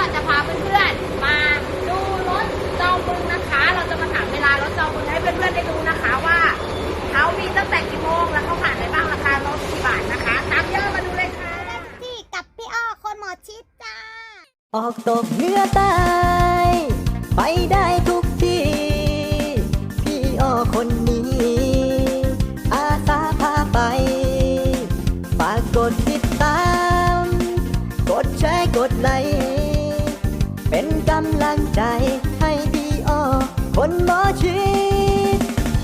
จะพาเพื่อนๆมาดูรถจอมบึงนะคะ เราจะมาถามเวลารถจอมบึงให้เพื่อนๆได้ดูนะคะว่าเขามีตั้งแต่กี่โมงแล้วเขาผ่านอะไรบ้างราคารถกี่บาทนะคะตามเยอะมาดูเลยค่ะที่กับพี่อ้อคนหมอชิดจ้าออกตกเหนือใต้ไปได้ทุกที่พี่อ้อคนนี้ อาสาพาไป ฝากกดติดตาม กดแชร์กดไลค์เป็นกำลังใจให้พี่อ้อคนหมอชิด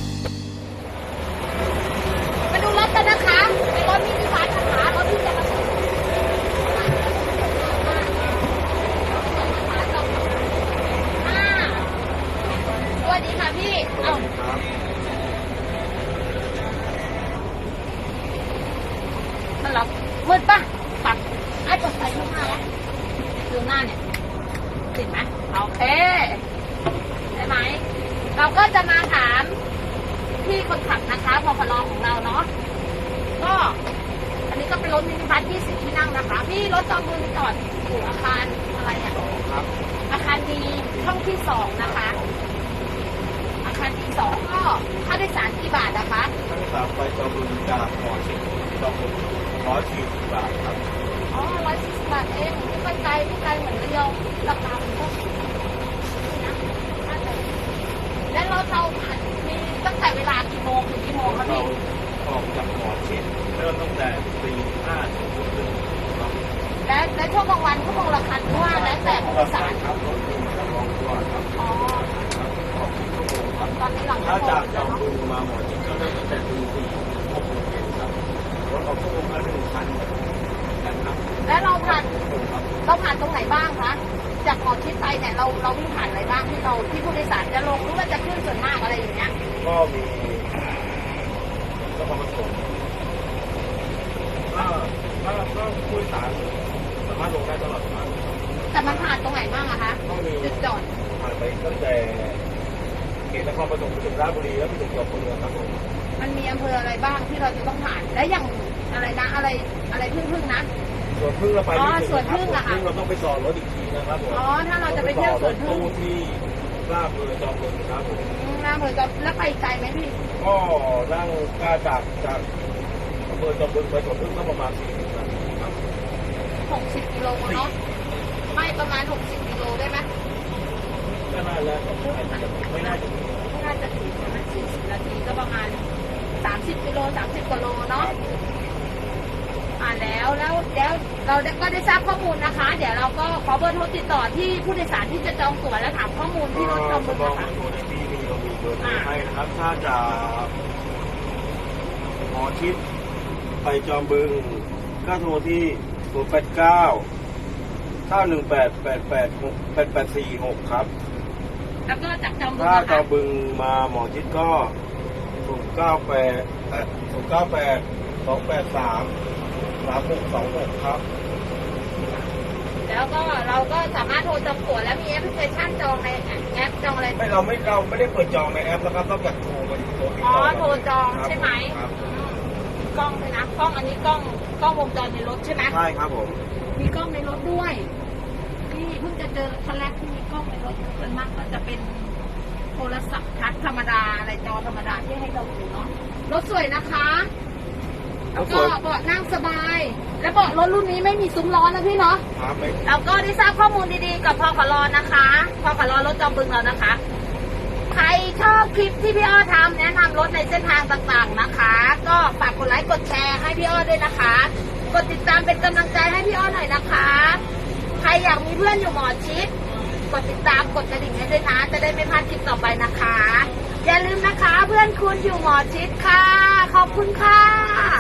มาดูรถกันนะคะเป็นรถมินิบัสนะคะรถที่จะมาสวัสดีค่ะพี่เอ้ามันหรอมืดปะปัดไอ้กดใส่ข้างหน้าแล้วดูหน้าเนี่ยติดไหมโอเคได้ไหมเราก็จะมาถามพี่คนขับนะคะพพลของเราเนาะก็อันนี้ก็เป็นรถมินิบัส20 ที่นั่งนะคะพี่รถจอมบึงจอดอยู่อาคารอะไรเนี่ยอาคารดีช่องที่ 2นะคะอาคารดี2ก็ค่าโดยสารกี่บาทนะคะค่าโดยสารไปจอมบึงจากหมอชิดจอมบึง140 บาทครับอ๋อ140 บาทเองไม่ไกลเหมือนระยองราคามันก็นี่นะน่าจะและรถเรามีตั้งแต่เวลากี่โมงถึงกี่โมงคะเราพี่ออกจากหมอชิดเริ่มตั้งแต่ตี5ถึงทุ่มครึ่งครับและช่วงกลางวันชั่วโมงละคันเพราะว่าแล้วแต่ผู้โดยสารครับรถบึงจะลองตัวครับอ๋อออกชั่วโมงครับตอนนี้หลังถ้าชั่วโมจากงจอมบึงมาหมอชิดก็เริ่มตั้งแต่ตี4 6โมงเย็นครับรถออกชั่วโมงละ1 คันนะครับและเราผ่านครับตรงไหนบ้างคะจากหมอชิดไปเนี่ยเราวิ่งผ่านอะไรบ้างที่ผู้โดยสารจะลงหรือว่าจะขึ้นส่วนมากอะไรอย่างเงี้ยก็มีนครปฐมก็ผู้โดยสารสามารถลงได้ตลอดทางแต่มันผ่านตรงไหนบ้างอะคะต้องมีจุดจอดผ่านไปตั้งแต่เขตนครปฐมไปถึงราชบุรีแล้วไปถึงจอมบึงครับผมมันมีอำเภออะไรบ้างที่เราจะต้องผ่านและอย่างอะไรนะอะไรพึ่งนะส่วนพึ่งเราไปอ๋อไม่ถึงสวนพึ่งครับอะค่ะพึ่งเราต้องไปจอดรถอีกทีนะครับผมอ๋อถ้าเราจะไปเที่ยวสวนพึ่งตู้ที่ราชบุรีจอมบึงครับผมน่าเผื่อจะแล้วไปไกลไหมพี่ก็นั่งกล้าจากอำเภอจอมบึงไปสวนพึ่งก็ประมาณ40 นาทีครับ 60 กิโลเนาะไม่ประมาณ60 กิโลได้ไหมก็น่าแล้วไม่น่าจะถึงไม่น่าจะถึงประมาณ40 นาทีก็ประมาณ30 กิโล30 กิโลเนาะแล้วเราก็ได้ทราบข้อมูลนะคะ เดี๋ยวเราก็ขอเบอร์โทรติดต่อที่ผู้โดยสารที่จะจองตั๋วและถามข้อมูลที่รถจอมบึงลองนะคะดูในทีวีเรามีเบอร์โทรให้นะครับ ถ้าจะหมอชิดไปจอมบึงก็โทรที่089 918 8846ครับแล้วก็จากจอมบึงถ้านะจอคะมบึงมาหมอชิดก็098 283 3626ครับแล้วก็เราก็สามารถโทรจองตั๋วและมีแอปพลิเคชันจองในแอปจองอะไรเราไม่ได้เปิดจองในแอปนะครับต้องจากโทรมาที่โทรติดอ๋อต่อโทรจองใช่ไหมครับกล้องเลยนะกล้องอันนี้กล้องวงจรในรถใช่ไหมใช่ครับผมมีกล้องในรถด้วยนี่เพิ่งจะเจอครั้งแรกที่มีกล้องในรถส่วนมากก็จะเป็นโทรศัพท์ทัชธรรมดาอะไรจอธรรมดาที่ให้เราดูเนาะรถสวยนะคะแล้วก็เบาะนั่งสบาย และเบาะรถรุ่นนี้ไม่มีซุ้มล้อนะพี่เนาะครับไม่เราก็ได้ทราบข้อมูลดีๆกับพขลนะคะพขลรถจอมบึงเรานะคะ ใครชอบคลิปที่พี่อ้อทำแนะนำรถในเส้นทางต่างๆนะคะ ก็ฝากกดไลค์กดแชร์ให้พี่อ้อด้วยนะคะ กดติดตามเป็นกำลังใจให้พี่อ้อหน่อยนะคะ ใครอยากมีเพื่อนอยู่หมอชิดกดติดตามกดกระดิ่งให้ด้วยนะจะได้ไม่พลาดคลิปต่อไปนะคะ อย่าลืมนะคะเพื่อนคุณอยู่หมอชิดค่ะ ขอบคุณค่ะ